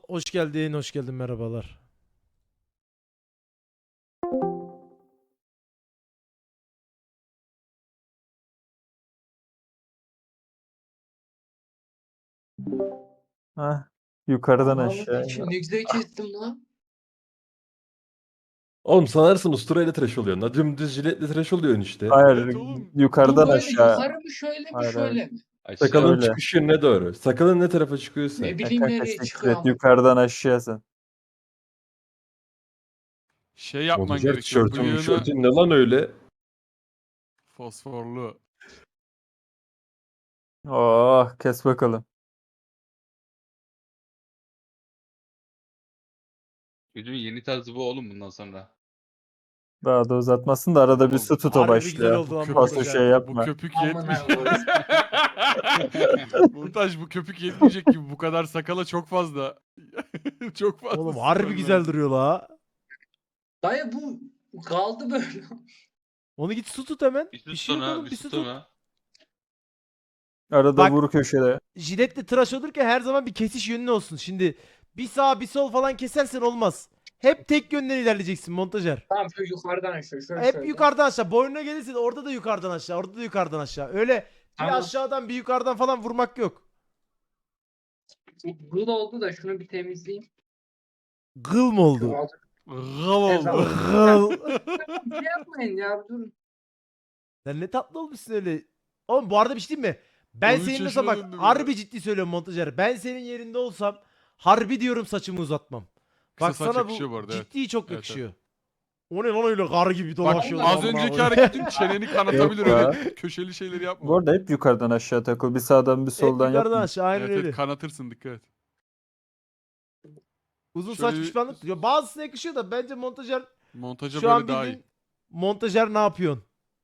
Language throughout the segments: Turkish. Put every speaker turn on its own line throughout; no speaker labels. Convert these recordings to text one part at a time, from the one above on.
Hoş geldin, hoş geldin. Merhabalar.
Hah, yukarıdan
Ananı
aşağıya.
sikeyim, ne güzel kestim lan.
Oğlum sanarsın usturayla tıraş oluyorsun. La dümdüz jiletle tıraş oluyorsun işte.
Hayır,
Evet oğlum.
Bu
yukarıdan
böyle
aşağı.
yukarı mı şöyle mi
Hayır,
şöyle mi?
Sakalın
Öyle.
çıkış yönüne doğru. Sakalın ne tarafa çıkıyorsa.
Ne
Ya
bileyim
kanka
nereye
siktir
çıkıyor
et,
ama.
yukarıdan aşağı sen.
Şey yapman
Montajer
gerekiyor.
tişörtün
Bıyığını
mişörtün ne lan öyle?
fosforlu.
Oh, kes bakalım.
Çocuğun yeni tarzı bu oğlum bundan sonra.
Daha da uzatmasın da arada bir
Oğlum,
su tut o
harbi güzel
başlıyor.
oldu lan
Fazla
montaj
şey
ha.
Bu
yapma.
köpük
Amına
yetmiş.
koyayım.
Montaj bu köpük yetmeyecek gibi bu kadar sakala çok fazla. Çok fazla.
Oğlum harbi
sürmen
güzel
lazım.
duruyor la.
Dayı bu kaldı böyle.
Onu git su tut hemen.
Bir
Bir
süt
şey yok
sonra,
oğlum,
bir
bir
süt
su tut.
sonra.
Arada
Bak-
vur köşede.
Jiletle tıraş olurken her zaman bir kesiş yönün olsun. Şimdi bir sağ bir sol falan kesersen olmaz. Hep tek yönden ilerleyeceksin montajer.
Tamam şu yukarıdan aşağı şöyle
Hep
şöyle.
yukarıdan aşağı. Boynuna gelirse de orada da yukarıdan aşağı. Orada da yukarıdan aşağı. Öyle bir
Tamam.
aşağıdan bir yukarıdan falan vurmak yok.
Bu da oldu da şunu bir temizleyeyim.
Gıl mı oldu?
Gav oldu.
Gıl.
Bir şey yapmayın ya durun.
Sen ne tatlı olmuşsun öyle. Oğlum bu arada bir şey diyeyim mi? Ben
13
senin mesela
yaşına
bak
döndüm
harbi
ya.
ciddi söylüyorum montajer. Ben senin yerinde olsam harbi diyorum saçımı uzatmam.
Kısa
Bak
saç
sana
yakışıyor
bu
bu arada, evet.
ciddi çok
Evet,
yakışıyor. O ne lan öyle gar gibi
Bak
dolaşıyor.
az önceki hareketin çeneni kanatabilir
Yok
öyle köşeli şeyleri yapma.
Bu arada hep yukarıdan aşağı takıl. Bir sağdan bir
Hep
soldan
yukarıdan
yapma.
aşağı aynen
Evet,
öyle.
evet kanatırsın dikkat et.
Uzun
Şöyle
saç
bir-
pişmanlık diyor. Bazısına yakışıyor da bence montajer
Montaja
şu an
böyle daha iyi.
bildiğin montajer ne yapıyorsun?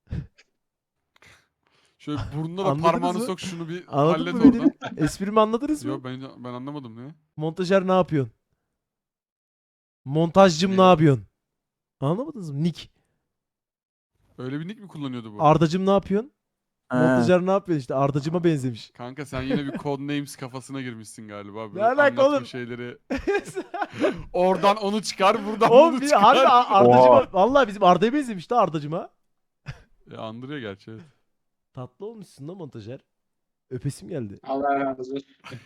Şöyle burnuna da
Anladınız
parmağını
mı?
sok şunu bir
Anladın
hallet
mı beni?
oradan.
Esprimi anladınız mı?
Yok ben anlamadım ne?
Montajer ne yapıyorsun? Montajcım
Ne
ne
ya?
yapıyorsun? Anlamadınız mı? Nick.
Öyle bir nick mi kullanıyordu bu?
Ardacım ne yapıyorsun?
He.
Montajer ne yapıyorsun işte? Ardacıma benzemiş.
Kanka sen yine bir Codenames kafasına girmişsin galiba. Böyle
Ne alaka
anlatma
oğlum?
şeyleri. Oradan onu çıkar, buradan
Oğlum
bunu
bir
çıkar.
harbi Ardacıma
Oha.
vallahi bizim Arda'ya benzemiş de Ardacıma.
Andırıyor gerçi evet.
Tatlı olmuşsun da montajer. Öpesim geldi.
Allah razı olsun.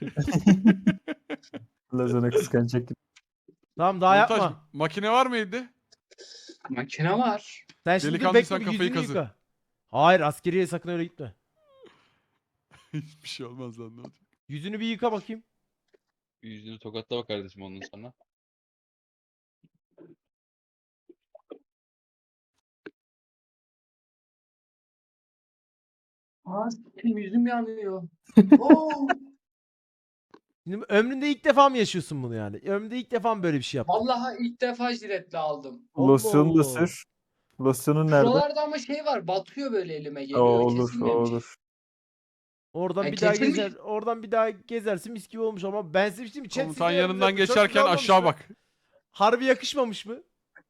Lazana kıskanacak gibi.
Tamam daha
Montaj
yapma.
makine var mı evde?
Makine var.
Sen şimdi dur
Delikanlı
bekle
sen
bir
kafayı
yüzünü
kazı.
yıka. Hayır askeriye sakın öyle gitme.
Hiçbir şey olmaz lan ne olacak?
Yüzünü bir yıka bakayım.
Yüzünü tokatla bak kardeşim ondan sonra.
Aa sikeyim, yüzüm yanıyor. Oo,
Şimdi ömründe ilk defa mı yaşıyorsun bunu yani? Ömründe ilk defa mı böyle bir şey yaptın?
vallahi ilk defa jiletle aldım.
Allah
Losyonu da
Allah.
sür. Losyonun nerede?
Şuralarda ama şey var batıyor böyle elime
O
geliyor.
olur, o
Kesilmemiş.
olur.
Oradan
Ya
bir daha
kesilmiş.
gezer, oradan bir daha gezersin mis gibi olmuş ama ben size bir şey diyeyim mi? Chat
Komutan
size
yanından
çok güzel
geçerken
olmamış
aşağı
mı?
bak.
Harbi yakışmamış mı?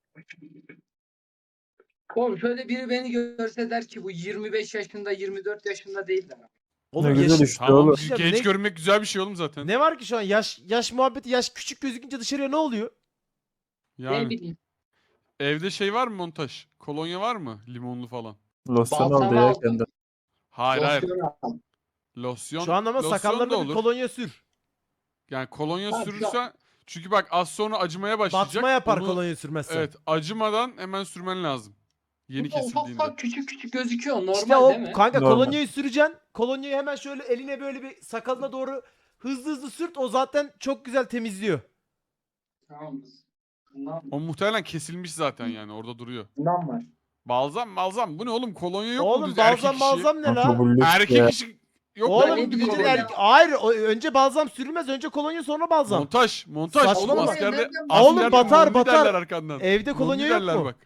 Oğlum şöyle biri beni görse der ki bu 25 yaşında 24 yaşında değil de.
Oğlum
Ne güzel
yaş-
işte
Tamam
oğlum.
şey
genç
ne-
görünmek güzel bir şey oğlum zaten.
Ne var ki şu an yaş muhabbeti yaş küçük gözükünce dışarıya ne oluyor?
Ne
Yani
bileyim.
evde şey var mı montaj? Kolonya var mı? Limonlu falan.
Losyon
Balsam
al ya
aldım.
kendin.
Hayır hayır.
Losyon aldım.
Losyon.
Şu an ama
losyon da
sakallarına bir
olur.
kolonya sür.
Yani kolonya
Tamam, şu
sürürsen çünkü bak az sonra acımaya başlayacak.
Batma yapar
Onu-
kolonya sürmezsen.
Evet acımadan hemen sürmen lazım. Yeni
Bu da ufak
kesildiğinde.
ufak küçük küçük gözüküyor. Normal
İşte o
değil mi?
kanka
Normal.
kolonyayı süreceksin. Kolonyayı hemen şöyle eline böyle bir sakalına doğru hızlı hızlı sürt. O zaten çok güzel temizliyor.
Tamam. Bundan,
O muhtemelen kesilmiş zaten yani orada duruyor.
bundan var.
Balzam bu ne oğlum kolonya yok mu
Oğlum
düz erkek
balzam
işi?
balzam ne
Kanka
la?
bu lüks
Erkek
ya.
işi yok
Oğlum
mu
ne
bir
bileyim
bütün
ya.
kolonya?
hayır önce balzam sürülmez. Önce kolonya sonra balzam.
Montaj
Saçmalama.
oğlum askerde
Nereden-
Oğlum
askerde
batar,
monli
batar.
derler arkandan.
Evde kolonya
Monli
yok
derler
mu?
bak.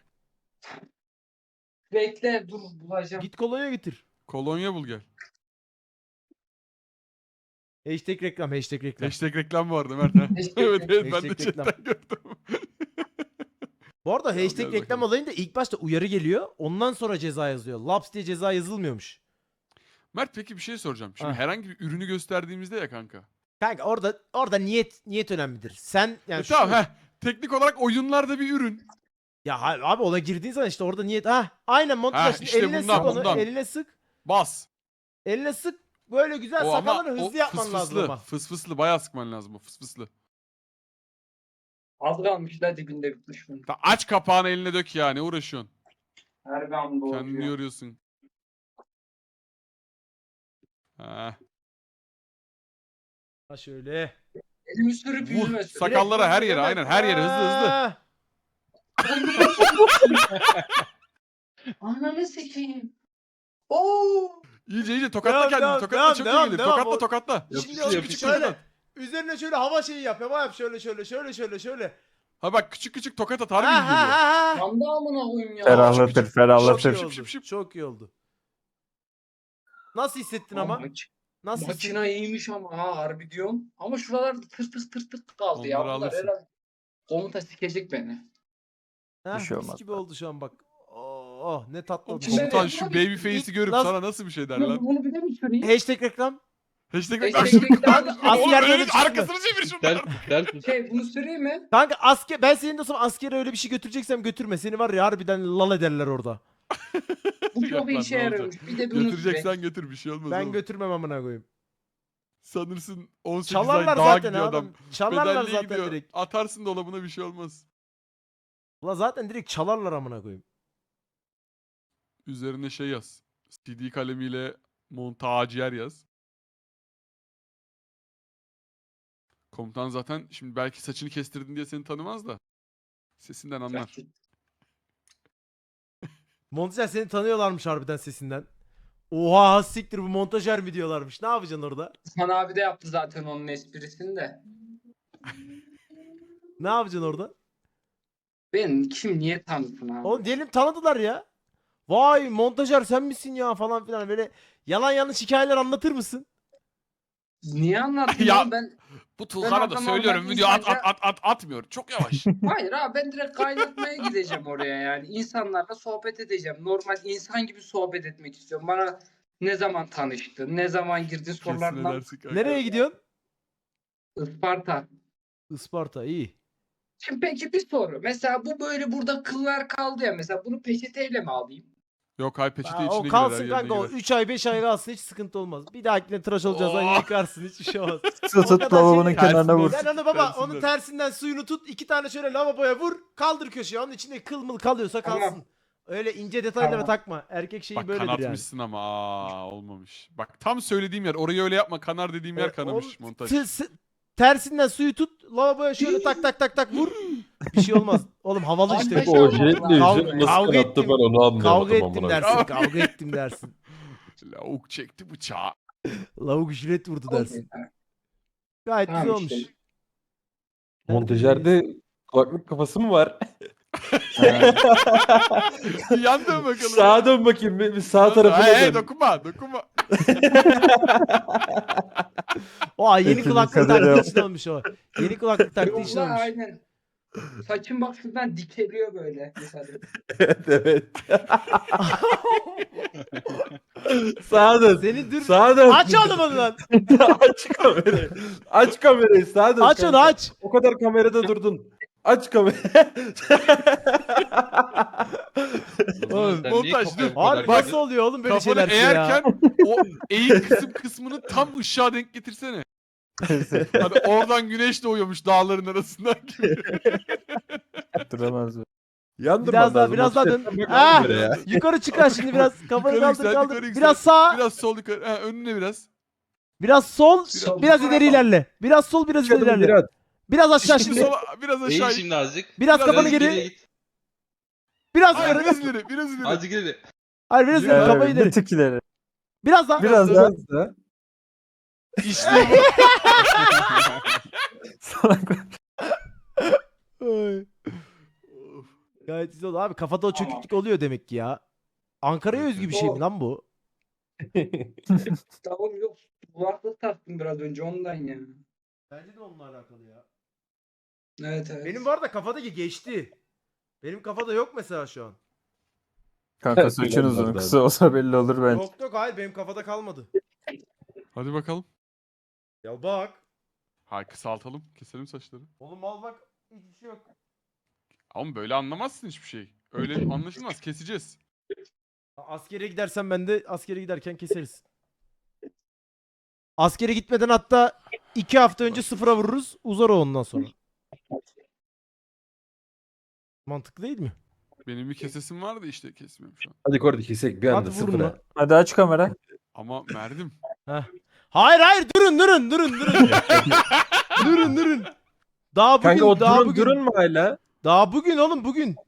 Bekle dur bulacağım.
Git kolonya getir.
Kolonya bul gel.
Hashtag reklam, hashtag reklam.
Hashtag reklam vardı Mert ha.
Hashtag
evet evet ben de
Hashtag reklam.
chatten gördüm.
Bu arada
Tamam,
hashtag
gel
reklam
bakalım.
olayında ilk başta uyarı geliyor. Ondan sonra ceza yazıyor. Laps diye ceza yazılmıyormuş.
Mert peki bir şey soracağım. Şimdi
Ha.
herhangi bir ürünü gösterdiğimizde ya kanka.
Kanka orada niyet önemlidir. Sen yani
Tamam
şu-
Teknik olarak oyunlarda bir ürün.
ya abi ona girdiğin zaman işte orada niyet. Aynen montaj. Şimdi
işte
eline
bundan,
sık onu.
bundan.
Eline sık.
Bas.
Eline sık. Böyle güzel
O ama
sakalları hızlı
o
yapman lazım
fısfıslı.
ama.
Fısfıslı bayağı sıkman lazım o fısfıslı.
Az kalmış la dibinde bitmiş bunun.
Aç kapağını eline dök ya ne uğraşıyorsun?
Her bir anda
Kendini
oluyor.
yoruyorsun. Ha.
Ha şöyle.
Elimi sürüp yüzüme
Vur
sür.
sakallara her yere
Hemen-
aynen her yere hızlı hızlı.
Ah!
Ananı sikeyim. Oo.
İyice tokatla
Devam,
kendini
devam,
tokatla
devam,
çok
devam,
iyi gelir.
devam.
Tokatla
O-
tokatla.
Şimdi
Yapıştır,
onu
yapıştır.
şöyle. Üzerine şöyle hava şeyi yap. Hava yap şöyle.
Ha bak küçük tokat at
Ha
harbi iyi
ha
geliyor.
ha ha.
Yanda amına koyayım ya.
Ferahlatır,
Çok iyi
ferahlatır.
Şıp,
oldu.
şıp, şıp.
Çok iyi oldu. Nasıl hissettin ama? Nasıl
Makina
hissettin?
iyiymiş ama ha harbi diyorum. Ama şuralarda tır kaldı ya.
Onları
Bunlar
alırsın.
herhalde komuta sikecek beni.
Ha,
Bir şey
mis
olmaz.
gibi oldu şu an bak. Oh ne tatlı oldu.
Şimdi-
Komutan şu baby face'i
İlk
görüp
nasıl-
sana nasıl bir şey der
Bunu,
lan?
bunu bir de mi süreyim?
Hashtag reklam.
Hashtag
Hashtag
Asker
Oğlum
böyle
öyle
çıkma.
arkasını çevir şundan.
Ters
bunu süreyim mi?
Kanka ben senin dostum askere öyle bir şey götüreceksem götürme. Seni var ya harbiden lal ederler orada.
Bu
Yok
çok
lan,
işe
ne
yarıyormuş. Bir de bunu süreyim.
Götüreceksen götür bir şey olmaz
Ben
oğlum.
götürmem amına koyayım.
Sanırsın 18
Çalarlar
ay dağa
zaten
gidiyor adam.
adam. Çalarlar
Bedelliye
zaten
gidiyor.
direkt.
Atarsın dolabına bir şey olmaz.
Ulan zaten direkt çalarlar amına koyayım.
Üzerine şey yaz. CD kalemiyle montaciyer yaz. Komutan zaten şimdi belki saçını kestirdin diye seni tanımaz da. Sesinden anlar.
Montajer seni tanıyorlarmış harbiden sesinden. Oha siktir bu montajer mi diyorlarmış. Ne yapacaksın orada?
Hasan abi de yaptı zaten onun esprisini de.
Ne yapacaksın orada?
Ben kim niye tanısın abi?
Oğlum diyelim tanıdılar ya. Vay montajer sen misin ya falan filan böyle yalan yanlış hikayeler anlatır mısın?
Niye anlattın
Ya-
oğlum ben?
Bu Tuğhan'a da
adama
söylüyorum
bak
video
insanca-
atmıyor. Çok yavaş.
Hayır abi ben direkt kaynatmaya gideceğim oraya yani. İnsanlarla sohbet edeceğim. Normal insan gibi sohbet etmek istiyorum. Bana ne zaman tanıştın, ne zaman girdin
Kesin
sorularından.
edersin kanka.
Nereye gidiyorsun?
Isparta.
Isparta iyi.
Şimdi peki bir soru. Mesela bu böyle burada kıllar kaldı ya. Mesela bunu peçeteyle mi alayım?
Yok hay peçete
Aa,
içine
o
girer,
kalsın
her yerine
kanka o
girer.
3 ay 5 ay kalsın hiç sıkıntı olmaz. Bir dahakine tıraş olacağız
Oh.
yıkarsın hiçbir şey olmaz.
Su
O
tut
kadar
lavabonun
şey-
kenarına vur.
Sen onu baba
Tersinden.
onun tersinden suyunu tut 2 tane şöyle lavaboya vur kaldır köşeye onun içinde kıl mıl kalıyorsa
Tamam.
kalsın. Öyle ince detaylara
Tamam.
takma. Erkek şeyi
Bak
böyledir yani.
kanatmışsın ama olmamış. Bak tam söylediğim yer orayı öyle yapma kanar dediğim yer kanamış
Oğlum,
montaj.
tersinden suyu tut lavaboya şöyle tak vur. Bir şey olmaz. Oğlum havalı işte.
Arkadaş-
O jiletle
Kavga-
yüzünü nasıl
kavga
kanattı
ettim.
ben onu anlayamadım.
Kavga ettim
amına
dersin. Kavga ettim dersin.
Lavuk çekti bıçağı.
Lavuk jilet vurdu dersin. Gayet
Tamam
güzel
işte.
olmuş.
Montajerde kulaklık kafası mı var?
Yan dön bakalım.
Sağa dön bakayım bir sağ tarafına
Hey,
dön.
dokunma.
O yeni
Hepimiz
kulaklık
kadar
taktığı
yap.
için olmuş o. Yeni kulaklık taktığı
Yok
için
lan
olmuş.
aynen. Saçım bak şuradan dikeliyor böyle. Mesela.
Evet. Sağa dön.
Seni dur.
Sağa dön.
Aç oğlum onu lan.
Aç kamerayı. Aç kamerayı sağa dön.
Aç onu
kanka.
aç.
O kadar kamerada durdun. Aç kamerayı.
Oğlum,
montaj dur.
Abi nasıl oluyor oğlum böyle
Kafanı
şeyler ya?
eğerken o eğik kısmını tam ışığa denk getirsene. Hani oradan güneş doğuyormuş dağların arasından gibi.
Duramaz mı?
Yandırman
Biraz daha
lazım.
biraz daha
Hafiften
dön.
bak
Ah!
kameraya.
Yukarı çıkar şimdi biraz. Kafanı
Yukarı
kaldır
yüksel,
kaldır.
yukarı yüksel.
Biraz sağ.
Biraz sol yukarı. Ha, önüne biraz.
Biraz sol.
Sol.
Biraz ileri ilerle. Biraz sol biraz ileri
Adım
ilerle.
geri at.
Biraz aşağı
Şimdi
şimdi.
sola, biraz
Eğil
aşağı.
şimdi azıcık.
Biraz kafanı
Azıcık
geri.
git.
Biraz
Hayır,
ileri.
biraz ileri, biraz ileri.
Azıcık ileri.
Hayır biraz ileri.
Evet,
Kafayı
bir
ileri.
tık ileri.
Biraz daha.
Biraz daha.
İşte bu.
Salak.
Ay. Of. Gayet güzel oldu. Abi kafada o çöküklük oluyor demek ki ya. Ankara'ya özgü bir şey mi lan bu?
Tamam yok. Kulaklık taktım biraz önce ondan ya.
Bence de onunla alakalı ya.
Evet evet.
Benim bu arada kafadaki geçti. Benim kafada yok mesela şu an.
Kanka saçın uzun. Kısa olsa belli olur bence.
Yok hayır benim kafada kalmadı.
Hadi bakalım.
Ya bak.
Hayır kısaltalım. Keselim saçları.
Oğlum al bak hiçbir şey yok.
Ama böyle anlamazsın hiçbir şey. Öyle anlaşılmaz. Keseceğiz.
Askere gidersen ben de askere giderken keseriz. Askere gitmeden hatta 2 hafta önce sıfıra vururuz. Uzar o ondan sonra. Mantıklı değil mi?
Benim bir kesesim vardı işte kesmiyorum şu an.
Hadi Kordi kesek bir
Hadi
anda
vurun
sıfıra.
lan.
Hadi aç kamera.
Ama Merdim.
Hayır hayır durun. Durun. Daha bugün
Kanka o
daha
durun
bugün.
durun mu hala?
Daha bugün oğlum bugün.